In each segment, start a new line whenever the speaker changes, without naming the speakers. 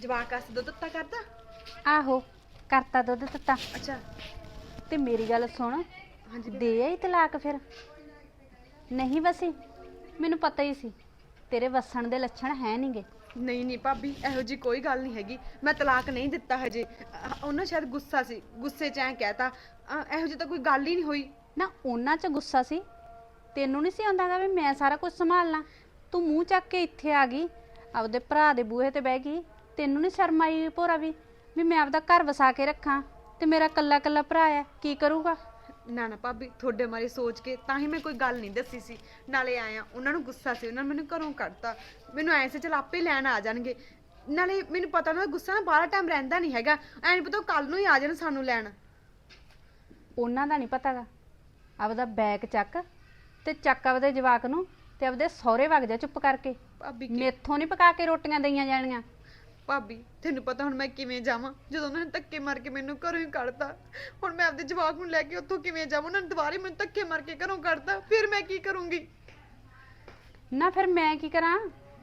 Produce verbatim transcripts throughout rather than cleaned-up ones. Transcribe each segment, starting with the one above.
ਜਵਾਕ ਆਸ ਦੁੱਧ ਦਿੱਤਾ ਕਰਦਾ।
ਆਹੋ ਕਰਤਾ ਦੁੱਧ ਦਿੱਤਾ।
ਅੱਛਾ
ਤੇ ਮੇਰੀ ਗੱਲ ਸੁਣ,
ਹਾਂਜੀ
ਦੇ ਆਈ ਤਲਾਕ ਫਿਰ? ਨਹੀਂ ਵਸੀ? ਮੈਨੂੰ ਪਤਾ ਹੀ ਸੀ ਤੇਰੇ ਵਸਣ ਦੇ ਲੱਛਣ ਹੈ ਨਹੀਂਗੇ।
ਨਹੀਂ ਨਹੀਂ ਭਾਬੀ, ਇਹੋ ਜੀ ਕੋਈ ਗੱਲ ਨਹੀਂ ਹੈਗੀ। ਮੈਂ ਤਲਾਕ ਨਹੀਂ ਦਿੱਤਾ ਹਜੇ। ਉਹਨਾਂ ਸ਼ਾਇਦ ਗੁੱਸਾ ਸੀ, ਗੁੱਸੇ 'ਚ ਐਂ ਕਹਿਤਾ। ਇਹੋ ਜਿਹੀ ਤਾਂ ਕੋਈ ਗੱਲ ਹੀ ਨਹੀਂ ਹੋਈ
ਨਾ। ਉਹਨਾਂ 'ਚ ਗੁੱਸਾ ਸੀ, ਤੈਨੂੰ ਨਹੀਂ ਸੀ ਆਉਂਦਾਗਾ ਵੀ ਮੈਂ ਸਾਰਾ ਕੁਝ ਸੰਭਾਲਣਾ। ਤੂੰ ਮੂੰਹ ਚੱਕ ਕੇ ਇੱਥੇ ਆ ਗਈ, ਆਪਦੇ ਭਰਾ ਦੇ ਬੂਹੇ ਤੇ ਬਹਿ ਗਈ। ਤੈਨੂੰ ਨਹੀਂ ਸ਼ਰਮ ਆਈ ਭੋਰਾ ਵੀ ਵੀ ਮੈਂ ਆਪਦਾ ਘਰ ਵਸਾ ਕੇ ਰੱਖਾਂ ਤੇ ਮੇਰਾ ਕੱਲਾ ਕੱਲਾ ਭਰਾ ਹੈ, ਕੀ ਕਰੂਗਾ?
ਨਾ ਨਾ ਭਾਬੀ, ਤੁਹਾਡੇ ਬਾਰੇ ਸੋਚ ਕੇ ਤਾਂ ਹੀ ਮੈਂ ਕੋਈ ਗੱਲ ਨਹੀਂ ਦੱਸੀ ਸੀ। ਨਾਲੇ ਆਇਆ ਉਹਨਾਂ ਨੂੰ ਗੁੱਸਾ ਸੀ, ਉਹਨਾਂ ਨੇ ਮੈਨੂੰ ਘਰੋਂ ਕੱਢਤਾ। ਮੈਨੂੰ ਐਂ ਸੀ ਚਲ ਆਪੇ ਲੈਣ ਆ ਜਾਣਗੇ। ਨਾਲੇ ਮੈਨੂੰ ਪਤਾ ਉਹਨਾਂ ਦਾ ਗੁੱਸਾ ਨਾ ਬਾਹਲਾ ਟਾਈਮ ਰਹਿੰਦਾ ਨਹੀਂ ਹੈਗਾ। ਐਂ ਨਹੀਂ ਪਤਾ ਕੱਲ ਨੂੰ ਹੀ ਆ ਜਾਣ ਸਾਨੂੰ ਲੈਣ।
ਉਹਨਾਂ ਦਾ ਨਹੀਂ ਪਤਾਗਾ। ਆਪਦਾ ਬੈਗ ਚੱਕ ਤੇ ਚੱਕ ਆਪਦੇ ਜਵਾਕ ਨੂੰ ਤੇ ਆਪਦੇ ਸਹੁਰੇ ਵਗ ਜਾ ਚੁੱਪ ਕਰਕੇ।
ਭਾਬੀ
ਮੇਥੋਂ ਨਹੀਂ ਪਕਾ ਕੇ ਰੋਟੀਆਂ ਦਈਆਂ ਜਾਣੀਆਂ।
ਭਾਬੀ ਤੈਨੂੰ ਪਤਾ ਹੁਣ ਮੈਂ ਕਿਵੇਂ ਜਾਵਾਂ, ਜਦੋਂ ਉਹਨਾਂ ਨੇ ਧੱਕੇ ਮਾਰ ਕੇ ਮੈਨੂੰ ਘਰੋਂ ਹੀ ਕੱਢਤਾ। ਹੁਣ ਮੈਂ ਆਪਦੇ ਜਵਾਕ ਨੂੰ ਲੈ ਕੇ ਉੱਥੋਂ ਕਿਵੇਂ ਜਾਵਾਂ? ਉਹਨਾਂ ਨੇ ਦੁਬਾਰੇ ਮੈਨੂੰ ਧੱਕੇ ਮਾਰ ਕੇ ਘਰੋਂ ਕੱਢਤਾ, ਫਿਰ ਮੈਂ ਕੀ ਕਰੂੰਗੀ?
ਨਾ ਫਿਰ ਮੈਂ ਕੀ ਕਰਾਂ?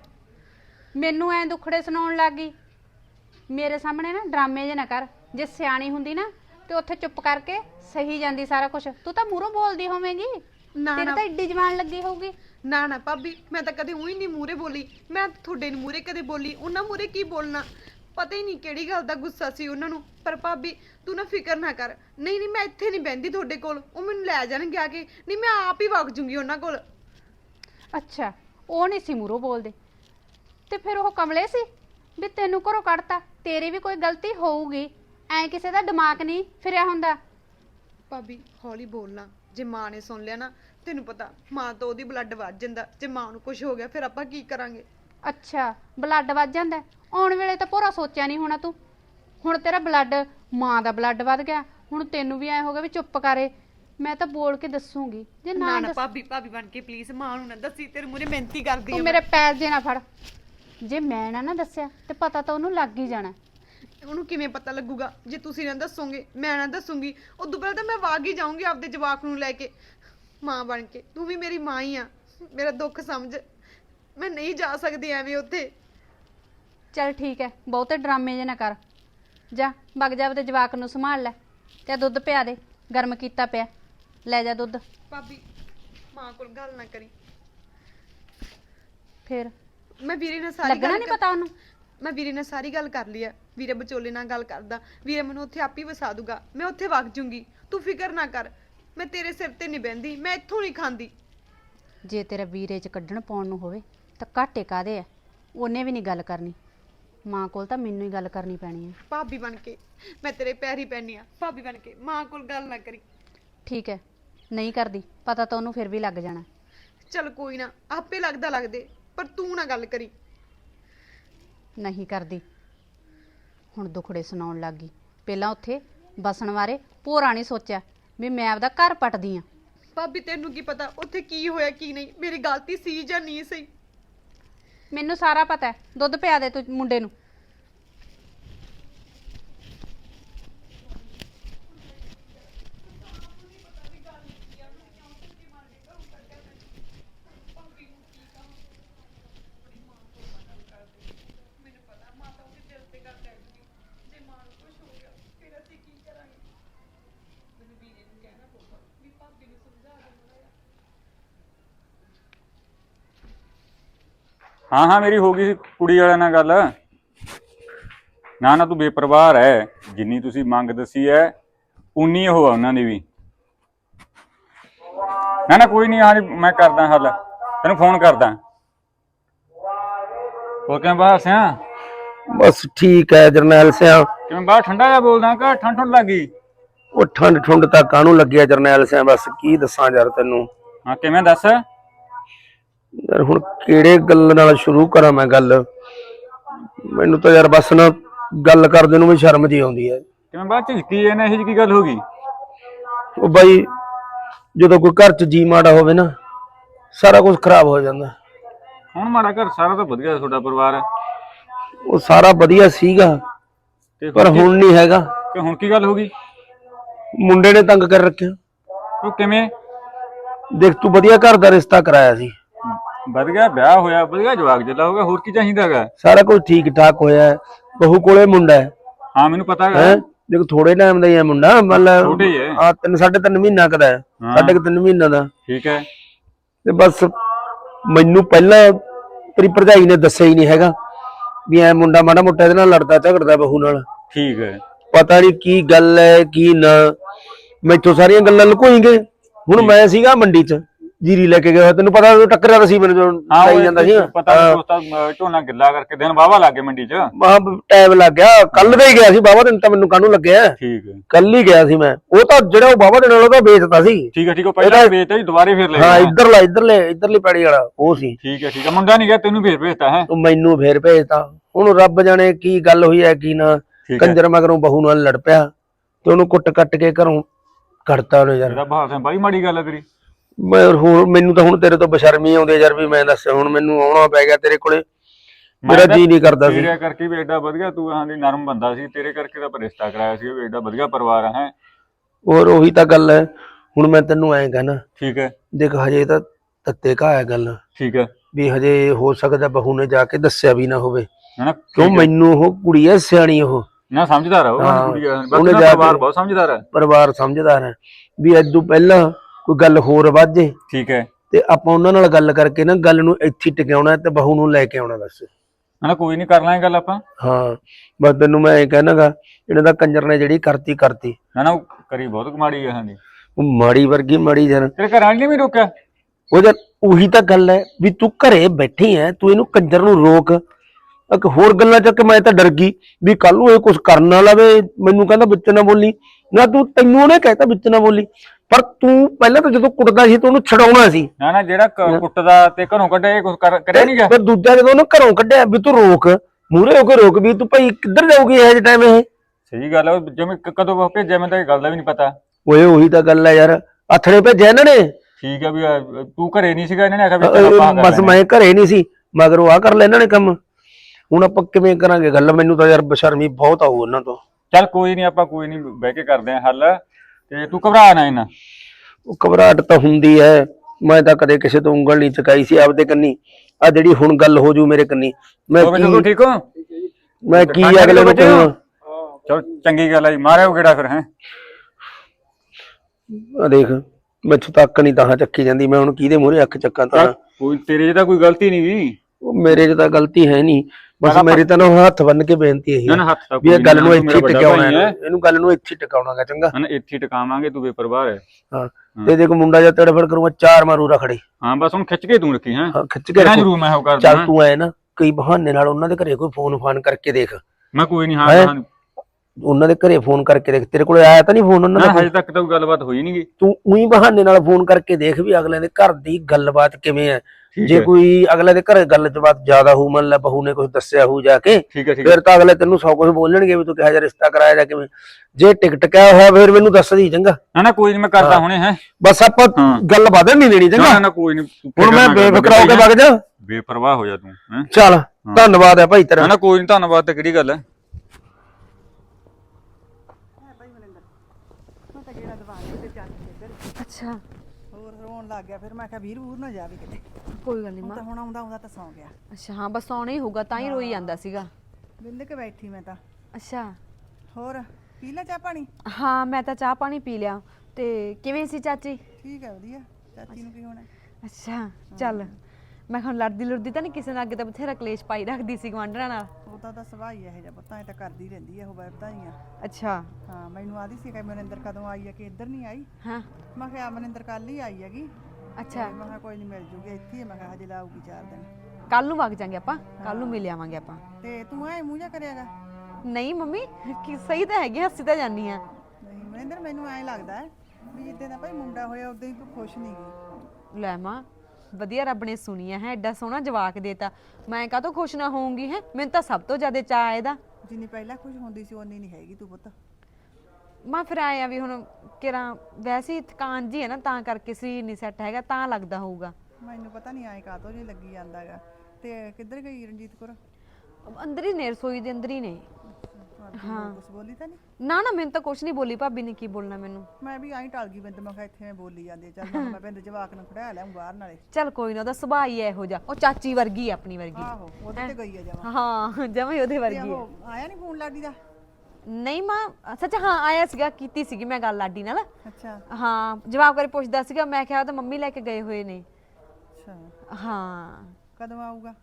ਮੈਨੂੰ ਐਂ ਦੁੱਖੜੇ ਸੁਣਾਉਣ ਲੱਗ ਗਈ। ਮੇਰੇ ਸਾਹਮਣੇ ਨਾ ਡਰਾਮੇ ਜੇ ਨਾ ਕਰ। ਜੇ ਸਿਆਣੀ ਹੁੰਦੀ ਨਾ ਤੇ ਉੱਥੇ ਚੁੱਪ ਕਰਕੇ ਸਹੀ ਜਾਂਦੀ ਸਾਰਾ ਕੁਝ। ਤੂੰ ਤਾਂ ਮੂਹਰੋਂ ਬੋਲਦੀ ਹੋਵੇਂਗੀ,
ਨਾ
ਤੇਰੇ
ਨਾ
ਤਾਂ ਏਡੀ ਜਵਾਨ ਲੱਗੀ ਹੋਊਗੀ।
ਨਾ ਨਾ ਭਾਬੀ, ਮੈਂ ਤਾਂ ਕਦੇ ਉਹੀ ਨਹੀਂ ਮੂਹਰੇ ਬੋਲੀ। ਮੈਂ ਤੁਹਾਡੇ ਨੂੰ ਮੂਹਰੇ ਕਦੇ ਬੋਲੀ? ਉਹਨਾਂ ਮੂਹਰੇ ਕੀ ਬੋਲਣਾ? ਪਤਾ ਹੀ ਨਹੀਂ ਕਿਹੜੀ ਗੱਲ ਦਾ ਗੁੱਸਾ ਸੀ ਉਹਨਾਂ ਨੂੰ। ਪਰ ਭਾਬੀ ਤੂੰ ਨਾ ਫਿਕਰ ਨਾ ਕਰ। ਨਹੀਂ ਨਹੀਂ, ਮੈਂ ਇੱਥੇ ਨਹੀਂ ਬਹਿੰਦੀ ਤੁਹਾਡੇ ਕੋਲ। ਉਹ ਮੈਨੂੰ ਲੈ ਜਾਣਗੇ ਆ ਕੇ। ਨਹੀਂ, ਮੈਂ ਆਪ ਹੀ ਵਗ ਜੂੰਗੀ ਉਹਨਾਂ ਕੋਲ।
ਅੱਛਾ, ਉਹ ਨਹੀਂ ਸੀ ਮੂਹਰੋਂ ਬੋਲਦੇ ਤੇ ਫਿਰ ਉਹ ਕਮਲੇ ਸੀ ਵੀ ਤੈਨੂੰ ਘਰੋਂ ਕੱਢਤਾ? ਤੇਰੀ ਵੀ ਕੋਈ ਗਲਤੀ ਹੋਊਗੀ, ਐ ਕਿਸੇ ਦਾ ਦਿਮਾਗ ਨਹੀਂ ਫਿਰਿਆ ਹੁੰਦਾ।
ਭਾਬੀ ਹੌਲੀ ਬੋਲਣਾ, ਜੇ ਮਾਂ ਨੇ ਸੁਣ ਲਿਆ ਨਾ, ਤੈਨੂੰ ਪਤਾ ਮਾਂ ਤੋਂ ਉਹਦੀ ਬਲੱਡ ਵੱਜ ਜਾਂਦਾ। ਜੇ ਮਾਂ ਨੂੰ ਕੁਝ ਹੋ ਗਿਆ ਫਿਰ ਆਪਾਂ ਕੀ ਕਰਾਂਗੇ?
ਅੱਛਾ, ਬਲੱਡ ਵੱਧ ਜਾਂਦਾ? ਆਉਣ ਵੇਲੇ ਤਾਂ ਪੂਰਾ ਸੋਚਿਆ ਨਹੀਂ ਹੋਣਾ ਤੂੰ। ਹੁਣ ਤੇਰਾ ਬਲੱਡ, ਮਾਂ ਦਾ ਬਲੱਡ ਵੱਧ ਗਿਆ, ਹੁਣ ਤੈਨੂੰ ਵੀ ਐ ਹੋ ਗਿਆ ਵੀ ਚੁੱਪ ਕਰੇ। ਮੈਂ ਤਾਂ ਬੋਲ ਕੇ ਦੱਸੂਗੀ। ਜੇ
ਨਾ
ਨਾ
ਨਾ ਭਾਬੀ, ਭਾਬੀ ਬਣ ਕੇ ਪਲੀਜ਼ ਮਾਂ ਨੂੰ ਨਾ ਦੱਸੀ। ਤੇਰੇ ਮੂਹਰੇ ਮਿਹਨਤੀ ਕਰਦੀ
ਤੂੰ
ਆ।
ਮੇਰੇ ਪੈਰ ਜੇ ਨਾ ਫੜ। ਜੇ ਮੈਂ ਨਾ ਨਾ ਦੱਸਿਆ ਤੇ ਪਤਾ ਤਾਂ ਉਹਨੂੰ ਲੱਗ ਹੀ ਜਾਣਾ।
ਉਹਨੂੰ ਕਿਵੇਂ ਪਤਾ ਲੱਗੂਗਾ ਜੇ ਤੁਸੀਂ ਨਾ ਦੱਸੋਗੇ? ਮੈਂ ਨਾ ਦੱਸੂਗੀ, ਉਦੋਂ ਪਹਿਲਾਂ ਤਾਂ ਮੈਂ ਵਾਗ ਹੀ ਜਾਊਂਗੀ ਆਪਦੇ ਜਵਾਕ ਨੂੰ ਲੈ ਕੇ। ਮਾਂ ਬਣ ਕੇ ਤੂੰ ਵੀ ਮੇਰੀ ਮਾਂ ਹੀ ਆ। ਮੇਰਾ ਦੁੱਖ ਸਮਝ। ਮੈਂ ਨਹੀਂ ਜਾ ਸਕਦੀ ਐਵੇਂ ਉੱਥੇ।
ਚੱਲ ਠੀਕ ਹੈ, ਬਹੁਤੇ ਡਰਾਮੇ ਜੇ ਨਾ ਕਰ। ਜਾ ਵਗ ਜਾ, ਆਪਦੇ ਜਵਾਕ ਨੂੰ ਸੰਭਾਲ ਲੈ ਤੇ ਦੁੱਧ ਪਿਆ ਦੇ, ਗਰਮ ਕੀਤਾ ਪਿਆ। ਲੈ ਜਾ ਦੁੱਧ।
ਭਾਬੀ ਮਾਂ ਕੋਲ ਗੱਲ ਨਾ ਕਰੀ।
ਫਿਰ
ਮੈਂ ਵੀਰੇ ਨਾਲ ਸਾਰੀ
ਲੱਗਣਾ
ਗੱਲ
ਨਹੀਂ
ਕਰ-
ਪਤਾ ਉਹਨੂੰ।
ਮੈਂ ਵੀਰੇ ਨਾਲ ਸਾਰੀ ਗੱਲ ਕਰ ਲਈ ਆ। ਵੀਰੇ ਵਿਚੋਲੇ ਨਾਲ ਗੱਲ ਕਰਦਾ, ਵੀਰੇ ਮੈਨੂੰ ਉੱਥੇ ਆਪ ਹੀ ਵਸਾ ਦੂਗਾ। ਮੈਂ ਉੱਥੇ ਵਗ ਜੂੰਗੀ, ਤੂੰ ਫਿਕਰ ਨਾ ਕਰ। ਮੈਂ ਤੇਰੇ ਸਿਰ ਤੇ ਨਹੀਂ ਬਹਿੰਦੀ, ਮੈਂ ਇੱਥੋਂ ਨਹੀਂ ਖਾਂਦੀ।
ਜੇ ਤੇਰਾ ਵੀਰੇ 'ਚ ਕੱਢਣ ਪਾਉਣ ਨੂੰ ਹੋਵੇ ਤਾਂ ਘਾਟੇ ਕਾਹਦੇ ਆ? ਉਹਨੇ ਵੀ ਨਹੀਂ ਗੱਲ ਕਰਨੀ। ਮਾਂ ਕੋਲ ਤਾਂ ਮੈਨੂੰ ਹੀ ਗੱਲ ਕਰਨੀ ਪੈਣੀ ਹੈ।
ਭਾਬੀ ਬਣ ਕੇ ਮੈਂ ਤੇਰੇ ਪੈਰੀ ਪੈਣੀ ਆ। ਭਾਬੀ ਬਣ ਕੇ ਮਾਂ ਕੋਲ ਗੱਲ ਨਾ ਕਰੀ।
ਠੀਕ ਹੈ, ਨਹੀਂ ਕਰਦੀ। ਪਤਾ ਤਾਂ ਉਹਨੂੰ ਫਿਰ ਵੀ ਲੱਗ ਜਾਣਾ।
ਚਲ ਕੋਈ ਨਾ, ਆਪੇ ਲੱਗਦਾ ਲੱਗਦੇ, ਪਰ ਤੂੰ ਨਾ ਗੱਲ ਕਰੀ।
ਨਹੀਂ ਕਰਦੀ। ਹੁਣ ਦੁਖੜੇ ਸੁਣਾਉਣ ਲੱਗ ਗਈ। ਪਹਿਲਾਂ ਉੱਥੇ ਬਸਣ ਬਾਰੇ ਭੋਰਾ ਨਹੀਂ ਸੋਚਿਆ ਵੀ ਮੈਂ ਆਪਦਾ ਘਰ ਪਟਦੀ ਆ।
ਭਾਬੀ ਤੈਨੂੰ ਕੀ ਪਤਾ ਉੱਥੇ ਕੀ ਹੋਇਆ ਕੀ ਨਹੀਂ? ਮੇਰੀ ਗਲਤੀ ਸੀ ਜਾਂ ਨਹੀਂ ਸਹੀ?
ਮੈਨੂੰ ਸਾਰਾ ਪਤਾ ਹੈ। ਦੁੱਧ ਪਿਆ ਦੇ ਤੂੰ ਮੁੰਡੇ ਨੂੰ।
हाँ हाँ मेरी हो गई कुड़ी वाले नाल गल। ना ना तू बेपरवाह है, जिन्नी तुसी मंग दसी है उन्नी हो उन्हां दी भी। ना ना कोई नहीं, हाँ जी मैं करदा हल, तेनू फोन करदा। हो किवें बाहर सिया?
बस ठीक है जरनैल सिया।
किवें बाहर ठंडा जा बोलदा कि ठंड ठंड लग गई?
वो ठंड ठुंड तां काहनूं लगी है जरनैल सिया, बस की दसां यार तैनूं।
हाँ किवें दस?
यार हुण किहड़े गल नाल शुरू करा मैं गल? मैनूं तां यार बस ना गल करदे नूं भी शर्म जी आउंदी है।
किवें बाहर झिझकी जाना? इहो जी की गल हो गई?
ਉਹ ਬਾਈ ਜਦੋਂ ਕੋਈ ਘਰ 'ਚ ਜੀ ਮਾੜਾ ਹੋਵੇ ਨਾ ਸਾਰਾ ਕੁਝ ਖਰਾਬ ਹੋ ਜਾਂਦਾ।
ਹੁਣ ਮਾੜਾ ਘਰ ਸਾਰਾ ਤਾਂ ਵਧੀਆ ਤੁਹਾਡਾ ਪਰਿਵਾਰ ਹੈ।
ਉਹ ਸਾਰਾ ਵਧੀਆ ਸੀਗਾ
ਤੇ
ਪਰ ਹੁਣ ਨਹੀਂ ਹੈਗਾ।
ਕਿ ਹੁਣ ਕੀ ਗੱਲ ਹੋ ਗਈ?
ਮੁੰਡੇ ਨੇ ਤੰਗ ਕਰ ਰੱਖਿਆ।
ਉਹ ਕਿਵੇਂ?
ਦੇਖ ਤੂੰ ਵਧੀਆ ਘਰ ਦਾ ਰਿਸ਼ਤਾ ਕਰਾਇਆ ਸੀ,
ਵਧ ਗਿਆ, ਵਿਆਹ ਹੋਇਆ, ਵਧੀਆ ਜਵਾਕ ਜੱਲਾ ਹੋ ਗਿਆ, ਹੋਰ ਕੀ ਚਾਹੀਦਾ ਹੈਗਾ?
ਸਾਰਾ ਕੁਝ ਠੀਕ ਠਾਕ ਹੋਇਆ, ਬਹੂ ਕੋਲੇ ਮੁੰਡਾ ਹੈ
ਹਾਂ ਮੈਨੂੰ ਪਤਾ
ਹੈ
ਹੈ।
ਦੇਖ ਥੋੜੇ ਟਾਈਮ ਦਾ ਹੀ ਹੈ ਮੁੰਡਾ, ਮਤਲਬ
ਛੋਟੇ ਹੀ ਹੈ।
ਆ ਤਿੰਨ ਸਾਢੇ ਤਿੰਨ ਮਹੀਨਾ ਕਦਾ ਹੈ,
ਹਾਂ।
ਸਾਢੇ ਕੁ ਤਿੰਨ ਮਹੀਨਾ ਦਾ।
ਠੀਕ ਹੈ।
ਤੇ ਬਸ ਮੈਨੂੰ ਪਹਿਲਾਂ ਤੇਰੀ ਭਰਜਾਈ ਨੇ ਦੱਸਿਆ ਹੀ ਨਹੀਂ ਹੈਗਾ ਵੀ ਐ ਮੁੰਡਾ ਮਾੜਾ ਮੋਟਾ ਇਹਦੇ ਨਾਲ ਲੜਦਾ ਝਗੜਦਾ ਬਹੂ ਨਾਲ।
ਠੀਕ ਹੈ।
ਪਤਾ ਨਹੀਂ ਕੀ ਗੱਲ ਹੈ ਕੀ ਨਾ, ਮੈਥੋਂ ਸਾਰੀਆਂ ਗੱਲਾਂ ਲੁਕੋਈ ਗਏ। ਹੁਣ ਮੈਂ ਸੀਗਾ ਮੰਡੀ 'ਚ ਜੀਰੀ ਲੈ ਕੇ ਗਿਆ, ਤੈਨੂੰ ਪਤਾ ਉਹ ਟੱਕਰਿਆ ਤਾਂ ਸੀ ਮੈਨੂੰ
ਹਾਂ
ਲਾਈ ਜਾਂਦਾ ਸੀ।
ਪਤਾ ਨਹੀਂ ਦੋਸਤਾ ਝੋਨਾ ਗਿੱਲਾ ਕਰਕੇ ਦਿਨ ਵਾਵਾ ਲੱਗ ਗਏ ਮੰਡੀ 'ਚ।
ਮਾ ਟਾਈਮ ਲੱਗ ਗਿਆ, ਕੱਲ ਦਾ ਹੀ ਗਿਆ ਸੀ, ਬਾਬਾ ਦਿਨ ਤਾਂ ਮੈਨੂੰ ਕਾਹਨੂੰ ਲੱਗਿਆ।
ਠੀਕ ਹੈ।
ਕੱਲ ਹੀ ਗਿਆ ਸੀ ਮੈਂ, ਉਹ ਤਾਂ ਜਿਹੜਾ ਉਹ ਬਾਬਾ ਦਿਨ ਵਾਲਾ ਉਹਦਾ ਵੇਚਦਾ ਸੀ।
ਠੀਕ ਹੈ ਠੀਕ ਹੈ, ਪਹਿਲਾਂ ਵੇਚਤਾ ਜੀ ਦੁਬਾਰੇ ਫੇਰ ਲੈ
ਹਾਂ ਇੱਧਰਲਾ ਇੱਧਰਲੇ ਇੱਧਰਲੀ ਪੈੜੀ ਵਾਲਾ ਉਹ ਸੀ।
ਠੀਕ ਹੈ ਠੀਕ ਹੈ, ਮੁੰਡਾ ਨਹੀਂ ਗਿਆ ਤੈਨੂੰ ਫੇਰ ਭੇਜਤਾ ਹੈ।
ਉਹ ਮੈਨੂੰ ਫੇਰ ਭੇਜਤਾ। ਹੁਣ ਰੱਬ ਜਾਣੇ ਕੀ ਗੱਲ ਹੋਈ ਹੈ ਕੀ ਨਾ, ਕੰਜਰ ਮਗਰੋਂ ਬਹੂ ਨਾਲ ਲੜ ਪਿਆ ਤੇ ਉਹਨੂੰ ਕੁੱਟ ਕੱਟ ਕੇ ਘਰੋਂ ਕੱਢਤਾ ਉਹਨੇ ਯਾਰ।
ਇਹਦਾ ਬਹਾਲ ਸਿੰਘ ਬਾਈ ਮਾੜੀ ਗੱਲ ਹੈ ਤੇਰੀ।
ਮੈਂ ਹੁਣ ਮੈਨੂੰ ਤਾਂ ਹੁਣ ਤੇਰੇ ਤੋਂ ਬਸ਼ਰਮੀ ਆਉਂਦੀ ਯਾਰ, ਵੀ ਮੈਂ ਦੱਸ ਹੁਣ ਮੈਨੂੰ ਆਉਣਾ ਪੈ ਗਿਆ ਤੇਰੇ ਕੋਲੇ, ਮੇਰਾ ਜੀ ਨਹੀਂ ਕਰਦਾ ਸੀ।
ਤੇਰੇ ਕਰਕੇ ਵੀ ਐਡਾ ਵਧੀਆ ਤੂੰ ਹਾਂ ਦੀ ਨਰਮ ਬੰਦਾ ਸੀ, ਤੇਰੇ ਕਰਕੇ ਤਾਂ ਰਿਸ਼ਤਾ ਕਰਾਇਆ ਸੀ, ਵੀ ਐਡਾ ਵਧੀਆ ਪਰਿਵਾਰ ਹੈ।
ਹੋਰ ਉਹੀ ਤਾਂ ਗੱਲ ਹੈ। ਹੁਣ ਮੈਂ ਤੈਨੂੰ ਐਂ ਕਹਿਣਾ,
ਠੀਕ ਹੈ
ਦੇਖ ਹਜੇ ਤਾਂ ਤੱਤੇ ਘਾ ਹੈ ਗੱਲ,
ਠੀਕ ਹੈ
ਵੀ ਹਜੇ ਹੋ ਸਕਦਾ ਬਹੂ ਨੇ ਜਾ ਕੇ ਦੱਸਿਆ ਵੀ ਨਾ ਹੋਵੇ,
ਹਨਾ।
ਕਿਉਂ ਮੈਨੂੰ ਉਹ ਕੁੜੀ ਐ ਸਿਆਣੀ, ਉਹ
ਨਾ ਸਮਝਦਾਰ ਆ ਉਹ
ਹਾਂ,
ਕੁੜੀ ਆ,
ਉਹਨੇ
ਬਾਕੀ
ਜਾ
ਪਰਿਵਾਰ
ਕੇ-
ਬਹੁਤ ਸਮਝਦਾਰ ਹੈ।
ਪਰਿਵਾਰ ਸਮਝਦਾਰ ਹੈ, ਵੀ ਇਦੋਂ ਪਹਿਲਾਂ ਕੋਈ ਗੱਲ ਹੋਰ ਵਾਜੇ
ਠੀਕ ਹੈ।
ਤੇ ਆਪਾਂ ਉਹਨਾਂ ਨਾਲ ਗੱਲ ਕਰਕੇ ਨਾ ਗੱਲ ਨੂੰ ਇੱਥੇ ਹੀ ਟਿਕਾਉਣਾ ਤੇ ਬਹੂ ਨੂੰ ਲੈ ਕੇ ਆਉਣਾ ਬਸ।
ਹਨਾ ਕੋਈ ਨਹੀਂ, ਕਰ ਲਾਂਗੇ ਗੱਲ ਆਪਾਂ।
ਹਾਂ ਬਸ ਤੈਨੂੰ ਮੈਂ ਇਹ ਕਹਿਣਾਗਾ, ਇਹਨਾਂ ਦਾ ਕੰਜਰ ਨੇ ਜਿਹੜੀ ਕਰਤੀ ਕਰਤੀ,
ਨਾ ਨਾ ਉਹ ਕਰੀ ਬਹੁਤ ਮਾੜੀ ਹੈ। ਹਾਂਜੀ
ਉਹ ਮਾੜੀ ਵਰਗੀ ਮਾੜੀ ਯਾਰ।
ਤੇਰੇ ਘਰ ਵਾਲੀ ਨੇ ਵੀ ਰੋਕਿਆ?
ਉਹ ਯਾਰ ਉਹੀ ਤਾਂ ਗੱਲ ਹੈ ਵੀ ਤੂੰ ਘਰੇ ਬੈਠੀ ਐ, ਤੂੰ ਇਹਨੂੰ ਕੰਜਰ ਨੂੰ ਰੋਕ। ਇੱਕ ਹੋਰ ਗੱਲਾਂ ਚੱਕ ਮੈਂ ਤਾਂ ਡਰ ਗਈ ਵੀ ਕੱਲ ਨੂੰ ਇਹ ਕੁਝ ਕਰਨ ਨਾ ਲਵੇ, ਮੈਨੂੰ ਕਹਿੰਦਾ ਵਿੱਚ ਨਾ ਬੋਲੀ ਨਾ, ਤੂੰ ਤੈਨੂੰ ਉਹਨੇ ਕਹਿਤਾ ਵਿੱਚ ਨਾ ਬੋਲੀ, ਪਰ ਤੂੰ ਪਹਿਲਾਂ ਤਾਂ ਜਦੋਂ ਕੁੱਟਦਾ ਸੀ ਤੂੰ ਉਹਨੂੰ ਛਡਾਉਣਾ ਸੀ
ਨਾ ਨਾ, ਜਿਹੜਾ ਕ- ਕੁੱਟਦਾ ਤੇ ਘਰੋਂ ਕੱਢਿਆ ਇਹ ਕੁਝ ਕਰਿਆ ਨਹੀਂ ਗਿਆ।
ਫਿਰ ਦੂਜਾ ਜਦੋਂ ਉਹਨੂੰ ਘਰੋਂ ਕੱਢਿਆ ਵੀ ਤੂੰ ਰੋਕ, ਮੂਹਰੇ ਹੋ ਕੇ ਰੋਕ ਵੀ ਤੂੰ ਭਾਈ ਕਿੱਧਰ ਜਾਊਗੀ ਇਹ ਜਿਹੇ ਟਾਈਮ ਇਹ।
ਸਹੀ ਗੱਲ ਹੈ, ਜਿਵੇਂ ਕ- ਕਦੋਂ ਭੇਜਿਆ ਮੈਨੂੰ ਤਾਂ ਇਹ ਗੱਲ ਦਾ ਵੀ ਨਹੀਂ ਪਤਾ।
ਓਏ ਉਹੀ ਤਾਂ ਗੱਲ ਹੈ ਯਾਰ, ਆਥਣੇ ਭੇਜਿਆ ਇਹਨਾਂ ਨੇ।
ਠੀਕ ਹੈ ਵੀ ਅ, ਤੂੰ ਘਰੇ ਨਹੀਂ ਸੀਗਾ, ਇਹਨਾਂ ਨੇ ਆਖਿਆ ਵੀ ਚੱਲ ਆਪਾਂ ਕਰ
ਬਸ
ਲੈਂਦੇ
ਮੈਂ ਘਰੇ ਨਹੀਂ ਸੀ, ਮਗਰ ਉਹ ਆ ਕਰ ਲੈ ਇਹਨਾਂ ਨੇ ਕੰਮ। ਹੁਣ ਆਪਾਂ ਕਿਵੇਂ ਕਰਾਂਗੇ ਗੱਲ, ਮੈਨੂੰ ਤਾਂ ਯਾਰ ਬਸ਼ਰਮੀ ਬਹੁਤ ਆਊ ਉਹਨਾਂ ਤੋਂ।
ਚੱਲ ਕੋਈ ਨਹੀਂ, ਆਪਾਂ ਕੋਈ ਨਹੀਂ ਬਹਿ ਕੇ ਕਰਦੇ ਆਂ ਹੱਲ, ਤੇ ਤੂੰ ਘਬਰਾ ਨਾ ਇਹਨਾਂ।
ਉਹ ਘਬਰਾਹਟ ਤਾਂ ਹੁੰਦੀ ਹੈ, ਮੈਂ ਤਾਂ ਕਦੇ ਕਿਸੇ ਤੋਂ ਉਂਗਲ ਨਹੀਂ ਚੁਕਾਈ ਸੀ ਆਪਦੇ ਕੰਨੀ, ਆ ਜਿਹੜੀ ਹੁਣ ਗੱਲ ਹੋ ਜੂ ਮੇਰੇ ਕੰਨੀ, ਮੈਂ
ਉਹ ਤੂੰ
ਕੀ
ਠੀਕ ਹੋ?
ਮੈਂ ਕੀ ਅਗਲੇ ਨੂੰ ਕਹਾਂ।
ਚਲ ਚੰਗੀ ਗੱਲ ਹੈ ਜੀ, ਮਾਰਿਓ ਕਿਹੜਾ ਫਿਰ ਹੈ।
ਆ ਦੇਖ ਮੈਥੋਂ ਤੱਕ ਨਹੀਂ ਤਾਂ ਚੱਕੀ ਜਾਂਦੀ, ਮੈਂ ਹੁਣ ਕਿਹਦੇ ਮੂਹਰੇ ਅੱਖ ਚੱਕਾਂ ਤਾਂ।
ਕੋਈ ਤੇਰੇ 'ਚ ਤਾਂ ਕੋਈ ਗਲਤੀ ਨਹੀਂ ਗਈ।
ਉਹ ਮੇਰੇ 'ਚ ਤਾਂ ਗਲਤੀ ਹੈ ਨਹੀਂ, ਬਸ ਮੇਰੀ ਤਾਂ ਨਾ ਹੱਥ ਬੰਨ ਕੇ ਬੇਨਤੀ ਇਹੀ
ਨਾ ਨਾ, ਹੱਥ ਤਾਂ
ਵੀ ਇਹ
ਕੋਈ
ਗੱਲ
ਨੀ,
ਨੂੰ
ਤੂੰ
ਇੱਥੇ
ਮੇਰਾ ਵੱਡਾ
ਟਿਕਾਉਣਾ
ਭਾਈ
ਹੈ,
ਹੈ।
ਇਹਨੂੰ ਗੱਲ ਨੂੰ ਇੱਥੇ ਟਿਕਾਉਣਾਗਾ ਚੰਗਾ।
ਹਾਂ ਇੱਥੇ ਟਿਕਾਵਾਂਗੇ, ਤੂੰ ਬੇਪਰਵਾਹ ਹੈ।
ਹਾਂ ਤੇ ਜੇ ਕੋ ਮੁੰਡਾ ਜਾਂ ਤੜਫੜ ਕਰੂੰਗਾ ਚਾਰ ਮਾਰੂ ਰਖੜੇ।
ਹਾਂ ਬਸ ਹੁਣ ਖਿੱਚ ਕੇ ਤੂੰ ਰੱਖੀ ਹੈ।
ਹਾਂ ਖਿੱਚ ਕੇ
ਨਾ
ਰੱਖੋ।
ਜ਼ਰੂਰ ਮੈਂ ਉਹ ਕਰ
ਚੱਲ
ਦੂੰਗਾ।
ਤੂੰ ਐ ਨਾ ਕਈ ਬਹਾਨੇ ਨਾਲ ਉਹਨਾਂ ਦੇ ਘਰੇ ਕੋਈ ਫੋਨ ਫਾਨ ਕਰਕੇ ਦੇਖ,
ਮੈਂ ਕੋਈ ਨਹੀਂ।
ਹੈਂ?
ਹਾਂ ਹਾਂ
ਉਹਨਾਂ ਦੇ ਘਰੇ ਫੋਨ ਕਰਕੇ ਦੇਖ, ਤੇਰੇ ਕੋਲ ਆਇਆ ਤਾਂ ਨਹੀਂ ਫੋਨ ਉਹਨਾਂ
ਨਾ,
ਦਾ?
ਹਜੇ ਤੱਕ ਤਾਂ ਕੋਈ ਗੱਲਬਾਤ ਹੋਈ ਨਹੀਂ ਗਈ।
ਤੂੰ ਉਹੀ ਬਹਾਨੇ ਨਾਲ ਫੋਨ ਕਰਕੇ ਦੇਖ ਵੀ ਅਗਲੇ ਦੇ ਘਰ ਦੀ ਗੱਲਬਾਤ ਕਿਵੇਂ ਹੈ।
ਠੀਕ
ਜੇ
ਹੈ
ਕੋਈ ਅਗਲੇ ਦੇ ਘਰੇ ਗੱਲਬਾਤ ਜ਼ਿਆਦਾ ਹੋਊ, ਮੰਨ ਲੈ ਬਹੂ ਨੇ ਕੁਝ ਦੱਸਿਆ ਹੋਊ ਜਾ ਕੇ,
ਠੀਕ ਹੈ ਠੀਕ ਹੈ।
ਫਿਰ ਤਾਂ ਅਗਲੇ ਤੈਨੂੰ ਸੌ ਕੁਝ ਬੋਲਣਗੇ ਵੀ ਤੂੰ ਕਿਹੋ ਜਿਹਾ ਰਿਸ਼ਤਾ ਕਰਾਇਆ ਜਾਂ ਕਿਵੇਂ। ਜੇ ਟਿਕਟ ਕਿਆ ਹੋਇਆ ਫਿਰ ਮੈਨੂੰ ਦੱਸ ਦੀ ਚੰਗਾ।
ਨਾ ਨਾ ਕੋਈ ਨਹੀਂ, ਮੈਂ ਕਰਦਾ ਹੁਣੇ ਹੈ।
ਬਸ ਆਪਾਂ
ਹਾਂ।
ਗੱਲ ਵਧਣ ਨਹੀਂ ਦੇਣੀ
ਨਾ
ਚੰਗਾ।
ਨਾ ਕੋਈ ਨਹੀਂ,
ਹੁਣ ਮੈਂ ਬੇਫਿਕਰ ਹੋ ਕੇ ਵਗ ਜਾ।
ਬੇਪਰਵਾਹ ਹੋ ਜਾ ਤੂੰ ਹੈ।
ਚੱਲ ਧੰਨਵਾਦ ਹੈ ਭਾਈ ਤੇਰਾ।
ਨਾ ਨਾ ਕੋਈ ਨਹੀਂ, ਧੰਨਵਾਦ ਤੇ ਕਿਹੜੀ ਗੱਲ ਹੈ।
ਅੱਛਾ
ਹੋਰ ਰੋਣ ਲੱਗ ਗਿਆ, ਫਿਰ ਮੈਂ ਕਿਹਾ ਵੀਰ ਵੂਰ ਨਾ ਜਾਵੇ ਕਿਤੇ।
ਕੋਈ ਗੱਲ ਨਹੀਂ
ਹੁਣ
ਮਾਂ।
ਤਾਂ ਹੁਣ ਆਉਂਦਾ ਆਉਂਦਾ ਤਾਂ ਸੌਂ ਗਿਆ।
ਅੱਛਾ ਹਾਂ ਬਸ ਆਉਣਾ ਹੀ ਹੋਊਗਾ, ਤਾਂ ਹੀ ਰੋਈ ਜਾਂਦਾ ਸੀਗਾ।
ਬਿੰਦ ਕੇ ਬੈਠੀ ਮੈਂ ਤਾਂ।
ਅੱਛਾ
ਹੋਰ ਪੀ ਲੈ ਚਾਹ ਪਾਣੀ?
ਹਾਂ ਮੈਂ ਤਾਂ ਚਾਹ ਪਾਣੀ ਪੀ ਲਿਆ। ਤੇ ਕਿਵੇਂ ਸੀ ਚਾਚੀ?
ਠੀਕ ਹੈ ਵਧੀਆ, ਚਾਚੀ ਨੂੰ ਕੀ ਹੋਣਾ।
ਅੱਛਾ ਚੱਲ, ਮੈਂ ਹੁਣ ਲੜਦੀ ਲੁੜਦੀ ਤਾਂ ਨਹੀਂ ਕਿਸੇ ਨਾਲ, ਅੱਗੇ ਤਾਂ ਬਥੇਰਾ ਕਲੇਸ਼ ਪਾਈ ਰੱਖਦੀ ਸੀ ਗੁਆਂਢਣਾਂ ਨਾਲ।
ਉਹ ਤਾਂ ਉਹਦਾ ਸੁਭਾਅ ਹੀ ਇਹੋ ਜਿਹਾ, ਪਤਾ ਇਹ ਤਾਂ ਕਰਦੀ ਰਹਿੰਦੀ ਹੈ ਉਹ ਬੈਠਾਈਆਂ।
ਅੱਛਾ
ਹਾਂ ਮੈਨੂੰ ਆਦੀ ਸੀ ਕਿ ਮਨਿੰਦਰ ਕਦੋਂ ਆਈ ਹੈ ਕਿ ਇੱਧਰ ਨਹੀਂ ਆਈ।
ਹਾਂ
ਮੈਂ ਕਿਹਾ ਮਨਿੰਦਰ ਕੱਲ ਹੀ ਆਈ ਹੈਗੀ।
ਅੱਛਾ
ਤੇ ਮੈਂ ਕਿਹਾ ਕੋਈ ਨਹੀਂ ਮਿਲ ਜੂਗੀ ਇੱਥੇ ਹੀ। ਮੈਂ ਕਿਹਾ ਹਜੇ ਲਾਊਗੀ ਚਾਰ ਦਿਨ।
ਕੱਲ ਨੂੰ ਵਗ ਜਾਾਂਗੇ ਆਪਾਂ, ਕੱਲ ਨੂੰ ਮਿਲ ਆਵਾਂਗੇ ਆਪਾਂ।
ਤੇ ਤੂੰ ਐ ਮੂੰਹ ਜਾ ਕਰਿਆਗਾ?
ਨਹੀਂ ਮੰਮੀ ਕੀ ਸਹੀ ਤਾਂ ਹੈਗੀ, ਹੱਸੀ ਤਾਂ ਜਾਨੀ ਆ।
ਨਹੀਂ ਮਨਿੰਦਰ ਮੈਨੂੰ ਐਂ ਲੱਗਦਾ ਹੈ ਵੀ ਜਿੱਦਾਂ ਦਾ ਭਾਈ ਮੁੰਡਾ ਹੋਇਆ ਉਦਾਂ ਹੀ ਤੂੰ ਖੁਸ਼ ਨਹੀਂ ਗਈ।
ਲੈ ਮਾਂ ਵਧੀਆ ਰੱਬ ਨੇ ਸੁਣੀ ਹੈ, ਐਡਾ ਸੋਹਣਾ ਜਵਾਕ ਦੇਤਾ, ਮੈਂ ਕਾਹਤੋਂ ਖੁਸ਼ ਨਾ ਹੋਊਂਗੀ। ਹੈ ਮੈਨੂੰ ਤਾਂ ਸਭ ਤੋਂ ਜ਼ਿਆਦਾ ਚਾਅ ਇਹਦਾ।
ਜਿੰਨੀ ਪਹਿਲਾਂ ਖੁਸ਼ ਹੁੰਦੀ ਸੀ ਓਨੀ ਨਹੀਂ ਹੈਗੀ ਤੂੰ ਪੁੱਤ।
ਮੈਂ ਫਿਰ ਆਇਆ ਵੀ ਹੁਣ ਕਿਰਾਂ ਵੈਸੇ ਹੀ ਥਕਾਨ ਜੀ ਹੈ ਨਾ, ਤਾਂ ਕਰਕੇ ਸਰੀਰ ਨਹੀਂ ਸੈੱਟ ਹੈਗਾ, ਤਾਂ ਲੱਗਦਾ ਹੋਊਗਾ।
ਮੈਨੂੰ ਪਤਾ ਨਹੀਂ ਆਏ ਕਾਹਤੋਂ ਨਹੀਂ ਲੱਗੀ ਜਾਂਦਾਗਾ। ਤੇ ਕਿੱਧਰ ਗਈ ਰਣਜੀਤ ਕੌਰ?
ਅੰਦਰ ਹੀ ਨੇ, ਰਸੋਈ ਦੇ ਅੰਦਰ ਹੀ ਨੇ।
ਹਾਂ ਕੁਝ ਬੋਲੀ ਤਾਂ ਨਹੀਂ?
ਨਾ ਨਾ ਮੈਨੂੰ ਤਾਂ ਕੁਛ ਨਹੀਂ ਬੋਲੀ ਭਾਬੀ ਨੇ, ਕੀ ਬੋਲਣਾ ਮੈਨੂੰ।
ਮੈਂ ਵੀ ਆਈ ਟਲ ਗਈ ਬਿੰਦ, ਮੈਂ ਕਿਹਾ ਇੱਥੇ ਮੈਂ ਬੋਲੀ ਜਾਂਦੀ ਆ। ਚੱਲ ਮੈਂ ਕਿਹਾ ਮੈਂ ਬਿੰਦ ਜਵਾਕ ਨੂੰ ਖੜਾ ਲਿਆਉਂ ਬਾਹਰ ਨਾਲੇ।
ਚੱਲ ਕੋਈ ਨਾ, ਉਹਦਾ ਸੁਭਾਅ ਹੀ ਇਹੋ ਜਿਹਾ, ਉਹ ਚਾਚੀ ਵਰਗੀ ਆ, ਆਪਣੀ ਵਰਗੀ।
ਆਹੋ ਉਹਦੇ ਤੇ ਗਈ ਆ ਜਮਾ।
ਹਾਂ ਜਮਾਂ ਹੀ ਉਹਦੇ
ਤੇ
ਵਰਗੀ ਆ।
ਉਹ ਆਇਆ ਨਹੀਂ ਫੋਨ ਲਾਡੀ ਦਾ?
ਨਹੀਂ ਮਾਂ, ਸੱਚ ਹਾਂ ਆਇਆ ਸੀਗਾ, ਕੀਤੀ ਸੀਗੀ ਮੈਂ ਗੱਲ ਲਾਡੀ ਨਾਲ।
ਅੱਛਾ
ਹਾਂ ਜਵਾਬ ਕਰੇ ਪੁੱਛਦਾ ਸੀਗਾ, ਮੈਂ ਕਿਹਾ ਉਹ ਤਾਂ ਮੰਮੀ ਲੈ ਕੇ ਗਏ ਹੋਏ ਨੇ।
ਅੱਛਾ
ਹਾਂ
ਕਦੋਂ ਆਊਗਾ?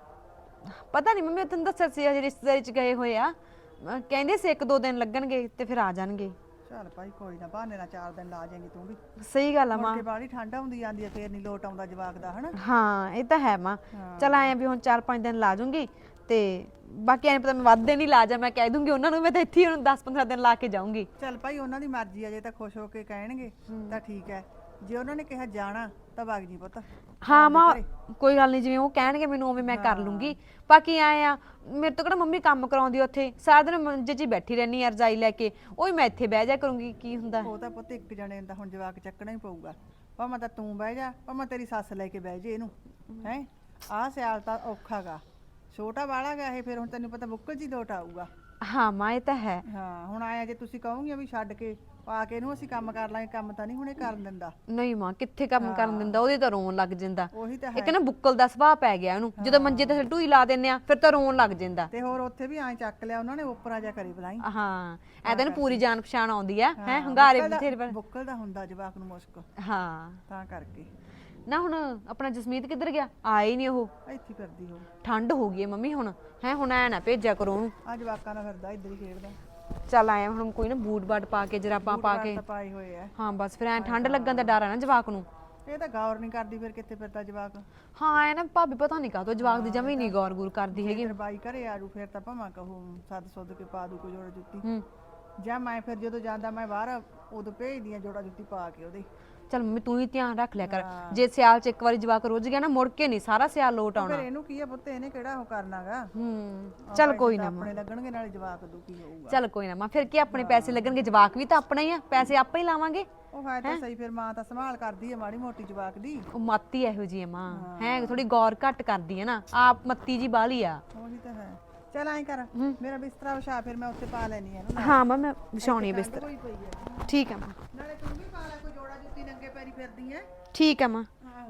ਪਤਾ ਨਹੀਂ ਮੰਮੀ, ਤੈਨੂੰ ਦੱਸਿਆ ਸੀ ਹਜੇ ਰਿਸ਼ਤੇਦਾਰੀ ਚ ਗਏ ਹੋਏ ਆ, ਅਹ ਕਹਿੰਦੇ ਸੀ ਇੱਕ ਦੋ ਦਿਨ ਲੱਗਣਗੇ ਤੇ ਫਿਰ ਆ ਜਾਣਗੇ।
ਚੱਲ ਭਾਈ ਕੋਈ ਨਾ, ਬਹਾਨੇ ਨਾਲ ਚਾਰ ਦਿਨ ਲਾ ਜਾਏਂਗੀ ਤੂੰ ਵੀ।
ਸਹੀ ਗੱਲ ਆ ਮਾਂ।
ਮੁੜ ਕੇ ਬਾਹਲੀ ਠੰਡ ਹੁੰਦੀ ਜਾਂਦੀ ਆ, ਫੇਰ ਨਹੀਂ ਲੋਟ ਆਉਂਦਾ ਜਵਾਕ ਦਾ, ਹਨਾ?
ਹਾਂ ਇਹ ਤਾਂ ਹੈ ਮਾਂ। ਚਲ ਆਏ ਆ ਵੀ ਹੁਣ ਚਾਰ ਪੰਜ ਦਿਨ ਲਾ ਜੂੰਗੀ, ਤੇ ਬਾਕੀ ਐਂ ਪਤਾ ਮੈਂ ਵੱਧ ਦਿਨ ਹੀ ਲਾ ਜਾ, ਮੈਂ ਕਹਿ ਦੂੰਗੀ ਉਹਨਾਂ ਨੂੰ, ਮੈਂ ਤਾਂ ਇੱਥੇ ਹੀ ਹੁਣ ਦਸ ਪੰਦਰਾਂ ਦਿਨ ਲਾ ਕੇ ਜਾਊਂਗੀ।
ਚੱਲ ਭਾਈ ਉਹਨਾਂ ਦੀ ਮਰਜ਼ੀ ਆ, ਜੇ ਤਾਂ ਖੁਸ਼ ਹੋ ਕੇ ਕਹਿਣਗੇ ਤਾਂ ਠੀਕ ਹੈ, ਜੇ ਉਹਨਾਂ ਨੇ ਕਿਹਾ ਜਾਣਾ ਤਾਂ ਵਗ ਜੀ ਪੁੱਤ।
ਹਾਂ ਮਾਂ ਕੋਈ ਗੱਲ ਨਹੀਂ, ਜਿਵੇਂ ਉਹ ਕਹਿਣਗੇ ਮੈਨੂੰ ਉਵੇਂ ਮੈਂ ਕਰ ਲੂੰਗੀ। ਬਾਕੀ ਆਏ ਆ ਮੇਰੇ ਤੋਂ ਕਿਹੜਾ ਮੰਮੀ ਕੰਮ ਕਰਾਉਂਦੀ ਉੱਥੇ, ਸਾਰਾ ਦਿਨ ਮੰਜੇ 'ਚ ਹੀ ਬੈਠੀ ਰਹਿਣੀ ਆ ਰਜਾਈ ਲੈ ਕੇ, ਉਹ ਮੈਂ ਇੱਥੇ ਬਹਿ ਜਾ ਕਰੂੰਗੀ, ਕੀ ਹੁੰਦਾ।
ਉਹ ਤਾਂ ਪੁੱਤ ਇੱਕ ਜਣੇ ਦਾ ਹੁਣ ਜਵਾਕ ਚੱਕਣਾ ਹੀ ਪਊਗਾ, ਭਾਵੇਂ ਤਾਂ ਤੂੰ ਬਹਿ ਜਾ, ਭਾਵੇਂ ਤੇਰੀ ਸੱਸ ਲੈ ਕੇ ਬਹਿ ਜੇ ਇਹਨੂੰ। ਹੈ ਆਹ ਸਿਆਲ ਤਾਂ ਔਖਾ ਗਾ, ਛੋਟਾ ਵਾਲਾ ਗਾ ਇਹ, ਫਿਰ ਹੁਣ ਤੈਨੂੰ ਪਤਾ ਬੁੱਕਲ 'ਚ ਹੀ ਲੋਟ ਆਊਗਾ।
ਹਾਂ ਮਾਂ ਇਹ ਤਾਂ ਹੈ।
ਹਾਂ ਹੁਣ ਆਇਆ ਜੇ ਤੁਸੀਂ ਕਹੋਗੇ ਵੀ ਛੱਡ ਕੇ ਪਾ ਕੇ ਇਹਨੂੰ ਅਸੀਂ ਕੰਮ ਕਰ ਲਾਂਗੇ, ਕੰਮ ਤਾਂ ਨਹੀਂ ਹੁਣੇ ਕਰਨ ਦਿੰਦਾ।
ਨਹੀਂ ਮਾਂ ਕਿੱਥੇ ਕੰਮ ਕਰਨ ਦਿੰਦਾ, ਉਹਦੇ ਤਾਂ ਰੋਣ ਲੱਗ ਜਾਂਦਾ।
ਉਹੀ ਤਾਂ
ਇੱਕ ਨਾ ਬੁੱਕਲ ਦਾ ਸੁਭਾਅ ਪੈ ਗਿਆ ਉਹਨੂੰ, ਜਦੋਂ ਮੰਜੇ ਤੇ ਢੂਈ ਲਾ ਦਿੰਨੇ ਆ ਫਿਰ ਤਾਂ ਰੋਣ ਲੱਗ ਜਾਂਦਾ।
ਤੇ ਹੋਰ ਉੱਥੇ ਵੀ ਐਂ ਚੱਕ ਲਿਆ ਉਹਨਾਂ ਨੇ, ਉੱਪਰਾਂ ਜਾ ਕਰੀ ਬਲਾਈ।
ਹਾਂ ਐਦਾਂ ਨੂੰ ਪੂਰੀ ਜਾਣ ਪਛਾਣ ਆਉਂਦੀ ਆ, ਹੈ ਹੰਗਾਰੇ ਬਥੇਰੇ ਪਰ।
ਬੁੱਕਲ ਦਾ ਹੁੰਦਾ ਜਵਾਕ ਨੂੰ ਮੁਸ਼ਕ,
ਹਾਂ
ਤਾਂ ਕਰਕੇ।
ਨਾ ਹੁਣ ਆਪਣਾ ਜਸਮੀਤ ਕਿੱਧਰ ਗਿਆ? ਆਇਆ ਹੀ ਨਹੀਂ ਉਹ।
ਇੱਥੇ ਫਿਰਦੀ ਹੋ,
ਠੰਡ ਹੋ ਗਈ ਹੈ ਮੰਮੀ ਹੁਣ, ਹੈ ਹੁਣ ਐ ਨਾ ਭੇਜਿਆ ਕਰੋ ਉਹਨੂੰ।
ਆ ਜਵਾਕਾਂ ਨਾਲ ਫਿਰਦਾ, ਇੱਧਰ ਹੀ ਖੇਡਦਾ।
ਚੱਲ ਆਇਆ ਹੁਣ ਕੋਈ ਨਾ, ਬੂਟ ਬਾਟ ਪਾ ਕੇ ਜਰਾਬਾਂ ਪਾ ਕੇ।
ਤਾਂ ਪਾਏ ਹੋਏ ਆ।
ਹਾਂ ਬਸ ਫਿਰ ਐ ਠੰਡ ਲੱਗਣ ਦਾ ਡਰ ਆ ਨਾ ਜਵਾਕ ਨੂੰ।
ਇਹ ਤਾਂ ਗੌਰ ਨਹੀਂ ਕਰਦੀ, ਫਿਰ ਕਿੱਥੇ ਫਿਰਦਾ ਜਵਾਕ।
ਹਾਂ ਐ ਨਾ ਭਾਬੀ ਪਤਾ ਨਹੀਂ ਕਾਹਤੋਂ ਜਵਾਕ ਦੀ ਜਮੀ ਨਹੀਂ ਗੌਰ ਗੂਰ ਕਰਦੀ ਹੈਗੀ।
ਫਿਰ ਬਾਈ ਘਰੇ ਆਜੂ, ਫਿਰ ਤਾਂ ਭਾਵੇਂ ਕਹੂ ਸੱਦ ਸੁੱਧ ਕੇ ਪਾ ਦੂ ਕੋਈ ਜੋੜਾ ਜੁੱਤੀ।
ਹੂੰ
ਜਾਂ ਮੈਂ ਫਿਰ ਜਦੋਂ ਜਾਂਦਾ ਮੈਂ ਬਾਹਰ, ਉਦੋਂ ਭੇਜਦੀ ਆ ਜੋੜਾ ਜੁੱਤੀ ਪਾ ਕੇ ਉਹਦੇ।
ਚੱਲ ਮੰਮੀ ਤੂੰ ਹੀ ਧਿਆਨ ਰੱਖ ਲਿਆ ਕਰ, ਜੇ ਸਿਆਲ ਚ ਇੱਕ ਵਾਰੀ ਜਵਾਕ ਰੁੱਝ ਗਿਆ ਨਾ ਮੁੜ ਕੇ ਨਹੀਂ ਸਾਰਾ ਸਿਆਲ ਲੋਟ
ਫਿਰ
ਆਉਣਾ।
ਇਹਨੂੰ ਕੀ ਆ ਪੁੱਤ, ਇਹਨੇ ਕਿਹੜਾ ਉਹ ਕਰਨਾਗਾ।
ਹੂੰ ਚੱਲ ਕੋਈ ਨਾ ਮਾਂ,
ਆਪਣੇ ਲੱਗਣਗੇ ਨਾਲੇ ਜਵਾਕ ਦੁਖੀ ਹੋਊਗਾ।
ਚੱਲ ਕੋਈ ਨਾ ਮਾਂ, ਫਿਰ ਕੀ ਆਪਣੇ ਪੈਸੇ ਲੱਗਣਗੇ, ਜਵਾਕ ਵੀ ਤਾਂ ਆਪਣਾ ਹੀ ਆ, ਪੈਸੇ ਆਪਾਂ ਹੀ ਲਾਵਾਂਗੇ।
ਉਹ ਹੈ ਤਾਂ ਸਹੀ, ਫਿਰ ਮਾਂ ਤਾਂ ਸੰਭਾਲ ਕਰਦੀ ਆ ਮਾੜੀ ਮੋਟੀ ਜਵਾਕ ਦੀ।
ਉਹ ਮੱਤੀ ਇਹੋ ਜੀ ਆ ਮਾਂ, ਹੈ ਥੋੜੀ ਗੌਰ ਘੱਟ ਕਰਦੀ ਹੈ ਨਾ, ਆਪ ਮੱਤੀ ਜੀ ਬਾਲੀ ਆ।
ਉਹੀ ਤਾਂ ਹੈ। ਚੱਲ ਐਂ ਕਰ, ਮੇਰਾ ਬਿਸਤਰਾ ਵਿਛਾ, ਫਿਰ ਮੈਂ ਉੱਥੇ ਪਾ ਲੈਣੀ ਆ ਇਹਨੂੰ।
ਹਾਂ ਮਾਂ ਮੈਂ ਵਿਛਾਉਣੀ ਬਿਸਤਰ।
ਕੋਈ ਪਈ ਆ,
ਠੀਕ ਹੈ ਮਾਂ।
ਨਾਲੇ ਤੂੰ ਵੀ ਪਾ ਲੈ ਕੋਈ ਜੋੜਾ ਜੁੱਤੀ, ਨੰਗੇ ਪੈਰੀ ਫਿਰਦੀ ਐ।
ਠੀਕ ਹੈ ਮਾਂ।
ਆਹੋ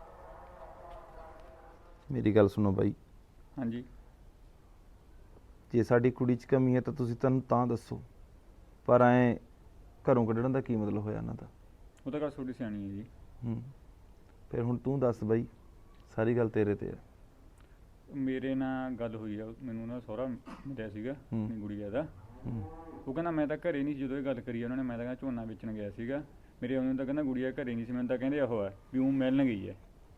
ਮੇਰੀ ਗੱਲ ਸੁਣੋ ਬਾਈ,
ਹਾਂਜੀ
ਜੇ ਸਾਡੀ ਕੁੜੀ 'ਚ ਕਮੀ ਹੈ ਤਾਂ ਤੁਸੀਂ ਤੁਹਾਨੂੰ ਤਾਂ ਦੱਸੋ, ਪਰ ਐ ਘਰੋਂ ਕੱਢਣ ਦਾ ਕੀ ਮਤਲਬ ਹੋਇਆ ਇਹਨਾਂ ਦਾ?
ਉਹ ਤਾਂ ਗੱਲ ਤੁਹਾਡੀ ਸਿਆਣੀ ਹੈ ਜੀ।
ਹੂੰ ਫਿਰ ਹੁਣ ਤੂੰ ਦੱਸ ਬਾਈ, ਸਾਰੀ ਗੱਲ ਤੇਰੇ ਤੇ ਆ।
ਮੇਰੇ ਨਾਲ ਗੱਲ ਹੋਈ ਆ, ਮੈਨੂੰ ਨਾ ਸਹੁਰਾ ਮਿਲਿਆ ਸੀਗਾ ਆਪਣੀ ਗੁੜੀਆ ਦਾ।
ਹੂੰ
ਉਹ ਕਹਿੰਦਾ ਮੈਂ ਤਾਂ ਘਰੇ ਨਹੀਂ ਸੀ ਜਦੋਂ ਇਹ ਗੱਲ ਕਰੀ ਉਹਨਾਂ ਨੇ, ਮੈਂ ਤਾਂ ਕਹਿੰਦਾ ਝੋਨਾ ਵੇਚਣ ਗਿਆ ਸੀਗਾ, ਮੇਰੇ ਉਹਨੂੰ ਤਾਂ ਕਹਿੰਦਾ ਗੁੜੀਆ ਘਰੇ ਨਹੀਂ ਸੀ, ਮੈਨੂੰ ਤਾਂ ਕਹਿੰਦੇ ਉਹ ਹੈ ਵੀ ਉਹ ਮਿਲਣ ਗਈ ਹੈ।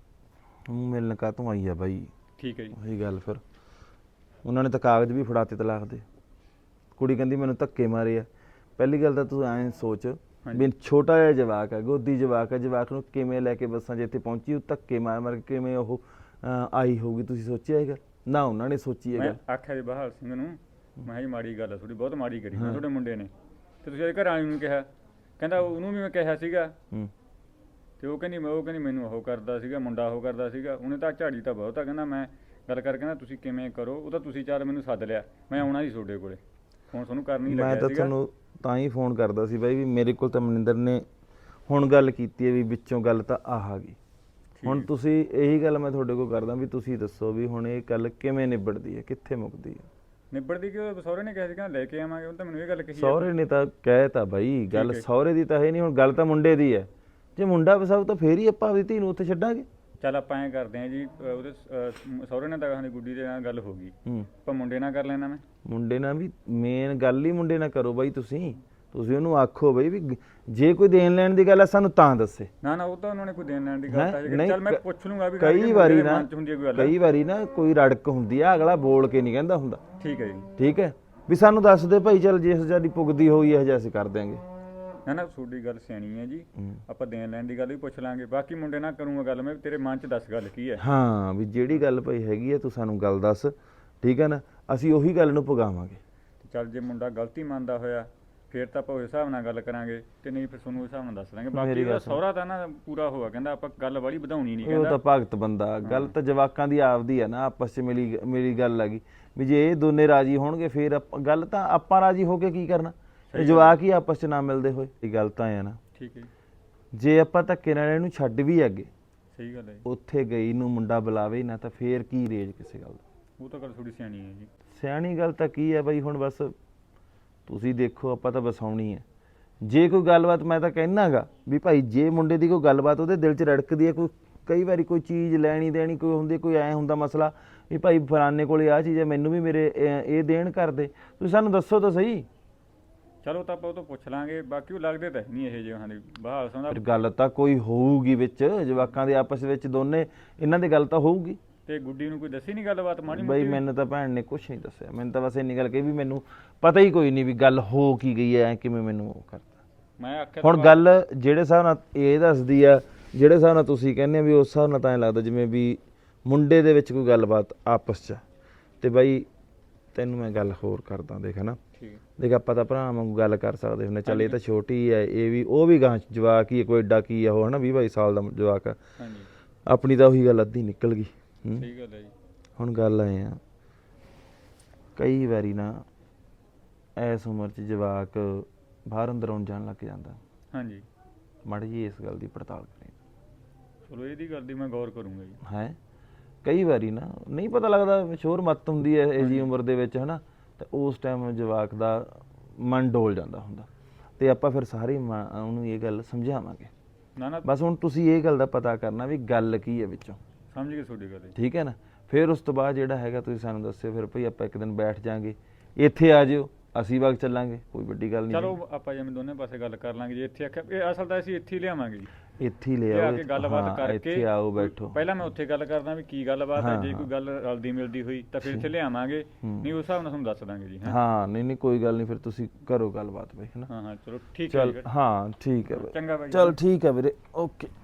ਤੂੰ ਮਿਲਣ ਕਾ ਤੂੰ ਆਈ ਆ ਬਾਈ?
ਠੀਕ ਹੈ ਜੀ।
ਉਹੀ ਗੱਲ, ਫਿਰ ਉਹਨਾਂ ਨੇ ਤਾਂ ਕਾਗਜ਼ ਵੀ ਫੜਾਤੇ ਤਲਾਕ ਦੇ। ਕੁੜੀ ਕਹਿੰਦੀ ਮੈਨੂੰ ਧੱਕੇ ਮਾਰੇ ਆ। ਪਹਿਲੀ ਗੱਲ ਤਾਂ ਤੂੰ ਐਂ ਸੋਚ ਵੀ ਛੋਟਾ ਜਿਹਾ ਜਵਾਕ ਹੈ, ਗੋਦੀ ਜਵਾਕ ਹੈ, ਜਵਾਕ ਨੂੰ ਕਿਵੇਂ ਲੈ ਕੇ ਬੱਸਾਂ 'ਚ ਇੱਥੇ ਪਹੁੰਚੀ, ਉਹ ਧੱਕੇ ਮਾਰ ਮਾਰ ਕੇ ਕਿਵੇਂ ਉਹ ਆਈ ਹੋਊਗੀ, ਤੁਸੀਂ ਸੋਚਿਆ ਹੈਗਾ? ਨਾ ਉਹਨਾਂ ਨੇ ਸੋਚੀ ਹੈਗਾ।
ਮੈਂ ਆਖਿਆ ਜੀ ਬਹਾਲ ਸਿੰਘ ਨੂੰ, ਮੈਂ ਕਿਹਾ ਜੀ ਮਾੜੀ ਗੱਲ ਆ ਥੋੜੀ, ਬਹੁਤ ਮਾੜੀ ਕਰੀ ਮੈਂ ਤੁਹਾਡੇ ਮੁੰਡੇ ਨੇ, ਤੇ ਤੁਸੀਂ ਇਹਦੇ ਘਰ ਵਾਲੀ ਨੂੰ ਕਿਹਾ? ਕਹਿੰਦਾ ਉਹਨੂੰ ਵੀ ਮੈਂ ਕਿਹਾ ਸੀਗਾ,
ਹੂੰ
ਤੇ ਉਹ ਕਹਿੰਦੀ ਮੈਂ ਉਹ ਕਹਿੰਦੀ ਮੈਨੂੰ ਉਹ ਕਰਦਾ ਸੀਗਾ, ਮੁੰਡਾ ਉਹ ਕਰਦਾ ਸੀਗਾ, ਉਹਨੇ ਤਾਂ ਝਾੜੀ ਤਾਂ ਬਹੁਤ ਆ। ਕਹਿੰਦਾ ਮੈਂ ਗੱਲ ਕਰ, ਕਹਿੰਦਾ ਤੁਸੀਂ ਕਿਵੇਂ ਕਰੋ, ਉਹ ਤਾਂ ਤੁਸੀਂ ਚਾਰ ਮੈਨੂੰ ਸੱਦ ਲਿਆ, ਮੈਂ ਆਉਣਾ ਸੀ ਤੁਹਾਡੇ ਕੋਲੇ, ਫੋਨ ਤੁਹਾਨੂੰ ਕਰਨ ਹੀ
ਮੈਂ
ਲੱਗਿਆ
ਤਾਂ
ਸੀਗਾ।
ਤੁਹਾਨੂੰ ਤਾਂ ਹੀ ਫੋਨ ਕਰਦਾ ਸੀ ਬਾਈ, ਵੀ ਮੇਰੇ ਕੋਲ ਤਾਂ ਮਨਿੰਦਰ ਨੇ ਹੁਣ ਗੱਲ ਕੀਤੀ ਹੈ ਵੀ ਵਿੱਚੋਂ ਗੱਲ ਤਾਂ ਆਹ ਆ ਗਈ। ਹੁਣ ਤੁਸੀਂ ਇਹੀ ਗੱਲ ਮੈਂ ਤੁਹਾਡੇ ਕੋਲ ਕਰਦਾ ਵੀ ਤੁਸੀਂ ਦੱਸੋ ਵੀ ਹੁਣ ਇਹ ਗੱਲ ਕਿਵੇਂ ਨਿਬੜਦੀ ਹੈ, ਕਿੱਥੇ ਮੁੱਕਦੀ ਹੈ?
ਨਿਬੜਦੀ ਕਿ ਸਹੁਰੇ ਨੇ ਕਿਹਾ ਸੀ ਕਹਿੰਦਾ ਲੈ ਕੇ ਆਵਾਂਗੇ, ਉਹ ਤਾਂ ਮੈਨੂੰ ਇਹ ਗੱਲ ਕਹੀ।
ਸਹੁਰੇ ਨੇ ਤਾਂ ਕਹਿ ਤਾ ਬਾਈ, ਗੱਲ ਸਹੁਰੇ ਦੀ ਤਾਂ ਹੈ ਨਹੀਂ, ਹੁਣ ਗੱਲ ਤਾਂ ਮੁੰਡੇ ਦੀ ਹੈ। ਜੇ ਮੁੰਡਾ ਵਸਾਊ ਤਾਂ ਫੇਰ ਹੀ ਆਪਾਂ ਆਪਣੀ ਧੀ ਨੂੰ ਉੱਥੇ ਛੱਡਾਂਗੇ।
ਚੱਲ ਆਪਾਂ ਐਂ ਕਰਦੇ ਹਾਂ ਜੀ, ਅਹ ਉਹਦੇ ਅਹ ਸਹੁਰੇ ਨਾਲ ਤਾਂ ਕਹਿੰਦੇ ਗੁੱਡੀ ਦੇ ਨਾਲ ਗੱਲ ਹੋ ਗਈ,
ਹੂੰ
ਆਪਾਂ ਮੁੰਡੇ ਨਾਲ ਕਰ ਲੈਣਾ। ਮੈਂ
ਮੁੰਡੇ ਨਾਲ ਵੀ ਮੇਨ ਗੱਲ ਹੀ ਮੁੰਡੇ ਨਾਲ ਕਰੋ ਬਾਈ। ਤੁਸੀਂ ਤੁਸੀਂ ਉਹਨੂੰ ਆਖੋ ਬਾਈ ਵੀ ਜੇ ਕੋਈ ਦੇਣ ਲੈਣ ਦੀ ਗੱਲ ਹੈ ਸਾਨੂੰ ਤਾਂ ਦੱਸੇ।
ਨਾ ਨਾ ਉਹ ਤਾਂ ਉਹਨਾਂ ਨੇ ਕੋਈ ਦੇਣ ਲੈਣ ਦੀ ਗੱਲ ਤਾਂ
ਨਹੀਂ,
ਚੱਲ ਮੈਂ ਪੁੱਛ ਲੂੰਗਾ ਵੀ
ਕਈ ਵਾਰੀ ਨਾ
ਹੁੰਦੀ ਹੈ ਕੋਈ ਗੱਲ।
ਕਈ ਵਾਰੀ ਨਾ ਕੋਈ ਰੜਕ ਹੁੰਦੀ ਆ, ਅਗਲਾ ਬੋਲ ਕੇ ਨਹੀਂ ਕਹਿੰਦਾ ਹੁੰਦਾ।
ਠੀਕ ਹੈ ਜੀ।
ਠੀਕ ਹੈ ਵੀ ਸਾਨੂੰ ਦੱਸ ਦੇ ਭਾਈ, ਚੱਲ ਜੇ ਸਾਡੀ ਪੁੱਗਦੀ ਹੋਈ ਹੈ ਜਿਹਾ ਅਸੀਂ ਕਰ ਦਿਆਂਗੇ।
ਨਾ ਨਾ ਤੁਹਾਡੀ ਗੱਲ ਸਿਆਣੀ ਹੈ ਜੀ, ਆਪਾਂ ਦੇਣ ਲੈਣ ਦੀ ਗੱਲ ਵੀ ਪੁੱਛ ਲਾਂਗੇ। ਬਾਕੀ ਮੁੰਡੇ ਨਾਲ ਕਰੂੰਗਾ ਗੱਲ ਮੈਂ, ਤੇਰੇ ਮਨ 'ਚ ਦੱਸ ਗੱਲ ਕੀ ਹੈ।
ਹਾਂ ਵੀ ਜਿਹੜੀ ਗੱਲ ਭਾਈ ਹੈਗੀ ਹੈ ਤੂੰ ਸਾਨੂੰ ਗੱਲ ਦੱਸ, ਠੀਕ ਹੈ ਨਾ, ਅਸੀਂ ਉਹੀ ਗੱਲ ਨੂੰ ਪੁਗਾਵਾਂਗੇ।
ਚੱਲ ਜੇ ਮੁੰਡਾ ਗਲਤੀ ਮੰਨਦਾ ਹੋਇਆ ਫਿਰ ਤਾਂ ਆਪਾਂ ਉਸ ਹਿਸਾਬ ਨਾਲ ਗੱਲ ਕਰਾਂਗੇ ਤੇ ਨਹੀਂ ਫਿਰ ਤੁਹਾਨੂੰ ਉਸ ਹਿਸਾਬ ਨਾਲ ਦੱਸ ਦਾਂਗੇ। ਬਾਕੀ
ਮੇਰੀ
ਉਹਦਾ
ਗੱਲ ਸੁਣ।
ਸਹੁਰਾ ਤਾਂ ਨਾ ਪੂਰਾ ਹੋਇਆ, ਕਹਿੰਦਾ ਆਪਾਂ ਗੱਲ ਵਾਲੀ ਵਧਾਉਣੀ ਨਹੀਂ
ਉਹ
ਕਹਿੰਦਾ।
ਤਾਂ ਭਗਤ ਬੰਦਾ, ਗੱਲ ਤਾਂ ਜਵਾਕਾਂ ਦੀ ਆਪਦੀ ਹੈ ਨਾ, ਆਪਸ 'ਚ ਮਿਲੀ ਮੇਰੀ ਗੱਲ ਹੈਗੀ ਵੀ ਜੇ ਇਹ ਦੋਨੇ ਰਾਜੀ ਹੋਣਗੇ ਫਿਰ ਆਪਾਂ- ਗੱਲ ਤਾਂ ਆਪਾਂ ਰਾਜੀ ਹੋ ਕੇ ਕੀ ਕਰਨਾ, ਇਹ ਜਵਾਕ ਹੀ ਆਪਸ 'ਚ ਨਾ ਮਿਲਦੇ ਹੋਏ। ਇਹ ਗੱਲ ਤਾਂ ਹੈ ਨਾ,
ਠੀਕ ਹੈ ਜੀ,
ਜੇ ਆਪਾਂ ਧੱਕੇ ਨਾਲ ਇਹਨੂੰ ਛੱਡ ਵੀ ਅੱਗੇ
ਸਹੀ ਗੱਲ ਹੈ ਜੀ।
ਉੱਥੇ ਗਈ ਨੂੰ ਮੁੰਡਾ ਬੁਲਾਵੇ ਨਾ ਤਾਂ ਫੇਰ ਕੀ ਰੇਜ ਕਿਸੇ ਗੱਲ ਦਾ।
ਉਹ ਤਾਂ ਗੱਲ ਥੋੜੀ ਸਿਆਣੀ ਹੈ ਜੀ।
ਸਿਆਣੀ ਗੱਲ ਤਾਂ ਕੀ ਹੈ ਬਈ, ਹੁਣ ਬਸ ਤੁਸੀਂ ਦੇਖੋ ਆਪਾਂ ਤਾਂ ਵਸਾਉਣੀ ਹੈ। ਜੇ ਕੋਈ ਗੱਲਬਾਤ, ਮੈਂ ਤਾਂ ਕਹਿਣਾਗਾ ਵੀ ਭਾਈ ਜੇ ਮੁੰਡੇ ਦੀ ਕੋਈ ਗੱਲਬਾਤ ਉਹਦੇ ਦਿਲ 'ਚ ਰੜਕਦੀ ਹੈ, ਕੋਈ ਕਈ ਵਾਰੀ ਕੋਈ ਚੀਜ਼ ਲੈਣੀ ਦੇਣੀ ਕੋਈ ਹੁੰਦੀ, ਕੋਈ ਐ ਹੁੰਦਾ ਮਸਲਾ ਵੀ ਭਾਈ ਫਲਾਣੇ ਕੋਲੇ ਆਹ ਚੀਜ਼ ਹੈ, ਮੈਨੂੰ ਵੀ ਮੇਰੇ ਇਹ ਇਹ ਦੇਣ ਕਰਦੇ, ਤੁਸੀਂ ਸਾਨੂੰ ਦੱਸੋ ਤਾਂ ਸਹੀ।
ਚਲੋ ਤਾਂ ਆਪਾਂ ਉਹ ਤੋਂ ਪੁੱਛ ਲਾਂਗੇ। ਬਾਕੀ ਉਹ ਲੱਗਦੇ ਤਾਂ ਨਹੀਂ ਇਹ ਜਿਹੇ ਹਾਂ ਦੀ ਬਹਾਲ ਸੰਦਾ।
ਫਿਰ ਗੱਲ ਤਾਂ ਕੋਈ ਹੋਊਗੀ ਵਿੱਚ ਜਵਾਕਾਂ ਦੇ ਆਪਸ ਵਿੱਚ, ਦੋਨੇ ਇਹਨਾਂ ਦੀ ਗੱਲ ਤਾਂ ਹੋਊਗੀ।
ਤੇ ਗੁੱਡੀ ਨੂੰ ਕੋਈ ਦੱਸੀ ਨਹੀਂ ਗੱਲਬਾਤ ਮਾੜੀ
ਬਈ
ਮੋਟੀ?
ਮੈਨੂੰ ਤਾਂ ਭੈਣ ਨੇ ਕੁਝ ਨਹੀਂ ਦੱਸਿਆ, ਮੈਨੂੰ ਤਾਂ ਬਸ ਇੰਨੀ ਗੱਲ ਕਹੀ ਵੀ ਮੈਨੂੰ ਪਤਾ ਹੀ ਕੋਈ ਨਹੀਂ ਵੀ ਗੱਲ ਹੋ ਕੀ ਗਈ ਹੈ, ਕਿਵੇਂ ਮੈਨੂੰ ਉਹ ਕਰਤਾ।
ਮੈਂ ਆਖਿਆ
ਹੁਣ
ਤਾਂ
ਗੱਲ ਜਿਹੜੇ ਹਿਸਾਬ ਨਾਲ ਇਹ ਦੱਸਦੀ ਆ, ਜਿਹੜੇ ਹਿਸਾਬ ਨਾਲ ਤੁਸੀਂ ਕਹਿੰਦੇ ਆ ਵੀ ਉਸ ਹਿਸਾਬ ਨਾਲ ਤਾਂ ਐਂ ਲੱਗਦਾ ਜਿਵੇਂ ਵੀ ਮੁੰਡੇ ਦੇ ਵਿੱਚ ਕੋਈ ਗੱਲਬਾਤ ਆਪਸ 'ਚ। ਤੇ ਬਾਈ ਤੈਨੂੰ ਮੈਂ ਗੱਲ ਹੋਰ ਕਰਦਾ, ਦੇਖ ਨਾ,
ਠੀਕ ਹੈ,
ਦੇਖ ਆਪਾਂ ਤਾਂ ਭਰਾ ਵਾਂਗੂ ਗੱਲ ਕਰ ਸਕਦੇ ਹੁੰਦੇ, ਚੱਲ ਇਹ ਤਾਂ ਛੋਟੀ ਹੈ, ਇਹ ਵੀ ਉਹ ਵੀ ਗਾਂ ਜਵਾਕ ਹੀ ਹੈ, ਕੋਈ ਏਡਾ ਕੀ ਆ ਉਹ ਹਨਾ, ਵੀਹ ਬਾਈ ਸਾਲ ਦਾ ਜਵਾਕ ਆ।
ਹਾਂਜੀ
ਆਪਣੀ ਤਾਂ ਉਹੀ ਗੱਲ ਅੱਧੀ ਨਿਕਲ ਗਈ। ਹੂੰ।
ਸਹੀ ਗੱਲ ਹੈ ਜੀ।
ਹੁਣ ਗੱਲ ਐ ਆ, ਕਈ ਵਾਰੀ ਨਾ ਇਸ ਉਮਰ 'ਚ ਜਵਾਕ ਬਾਹਰ ਅੰਦਰ ਆਉਣ ਜਾਣ ਲੱਗ ਜਾਂਦਾ।
ਹਾਂਜੀ
ਮਾੜੀ ਜੀ ਇਸ ਗੱਲ ਦੀ ਪੜਤਾਲ ਕਰੇ।
ਚਲੋ ਇਹਦੀ ਗੱਲ ਦੀ ਮੈਂ ਗੌਰ ਕਰੂੰਗਾ ਜੀ।
ਹੈ ਕਈ ਵਾਰੀ ਨਾ ਨਹੀਂ ਪਤਾ ਲੱਗਦਾ, ਸ਼ੋਰ ਮੱਤ ਹੁੰਦੀ ਹੈ ਇਹ ਜੀ ਉਮਰ ਦੇ ਵਿੱਚ ਹਨਾ, ਤੇ ਉਸ ਟਾਈਮ ਜਵਾਕ ਦਾ ਮਨ ਡੋਲ ਜਾਂਦਾ ਹੁੰਦਾ, ਤੇ ਆਪਾਂ ਫਿਰ ਸਾਰੇ ਮਾਂ- ਉਹਨੂੰ ਇਹ ਗੱਲ ਸਮਝਾਵਾਂਗੇ।
ਨਾ ਨਾ
ਬਸ ਹੁਣ ਤੁਸੀਂ ਇਹ ਗੱਲ ਦਾ ਪਤਾ ਕਰਨਾ ਵੀ ਗੱਲ ਕੀ ਹੈ ਵਿੱਚੋਂ,
ਸਮਝ ਗਏ ਤੁਹਾਡੀ ਗੱਲ ਜੀ।
ਠੀਕ ਹੈ ਨਾ। ਫਿਰ ਉਸ ਤੋਂ ਬਾਅਦ ਜਿਹੜਾ ਹੈਗਾ ਤੁਸੀਂ ਸਾਨੂੰ ਦੱਸਿਓ, ਫਿਰ ਭਈ ਆਪਾਂ ਇੱਕ ਦਿਨ ਬੈਠ ਜਾਾਂਗੇ, ਇੱਥੇ ਆ ਜਿਓ, ਅਸੀਂ ਵਗ ਚੱਲਾਂਗੇ, ਕੋਈ ਵੱਡੀ ਗੱਲ ਨਹੀਂ।
ਚਲੋ ਆਪਾਂ ਜਿਵੇਂ ਦੋਨੇ ਪਾਸੇ ਗੱਲ ਕਰ ਲਾਂਗੇ। ਜੇ ਇੱਥੇ ਆਖਿਆ, ਇਹ ਅਸਲ ਤਾਂ ਅਸੀਂ ਇੱਥੇ ਹੀ ਲਿਆਵਾਂਗੇ ਜੀ।
ਇੱਥੇ ਹੀ ਲੈ
ਲਿਆ
ਆਓ,
ਕੇ ਗੱਲਬਾਤ
ਹਾਂ,
ਕਰਕੇ
ਇੱਥੇ ਆਓ ਬੈਠੋ।
ਪਹਿਲਾਂ ਮੈਂ ਉੱਥੇ ਗੱਲ ਕਰਦਾ ਵੀ ਕੀ ਗੱਲਬਾਤ ਹੈ,
ਹਾਂ,
ਜੇ ਕੋਈ ਗੱਲ ਰਲਦੀ ਮਿਲਦੀ ਹੋਈ ਤਾਂ ਫਿਰ ਇੱਥੇ ਲਿਆਵਾਂਗੇ, ਨਹੀਂ ਉਸ ਹਿਸਾਬ ਨਾਲ ਤੁਹਾਨੂੰ ਦੱਸ ਦਾਂਗੇ ਜੀ। ਹੈਂ?
ਹਾਂ ਨਹੀਂ ਨਹੀਂ ਕੋਈ ਗੱਲ ਨਹੀਂ, ਫਿਰ ਤੁਸੀਂ ਕਰੋ ਗੱਲਬਾਤ ਬਈ ਹਨਾ।
ਹਾਂ ਹਾਂ ਚਲੋ ਠੀਕ ਹੈ
ਚਲ
ਜੀ ਫਿਰ।
ਹਾਂ ਠੀਕ ਹੈ ਬਈ,
ਚੰਗਾ ਬਾਈ।
ਚਲ ਠੀਕ ਹੈ ਵੀਰੇ, ਓਕੇ।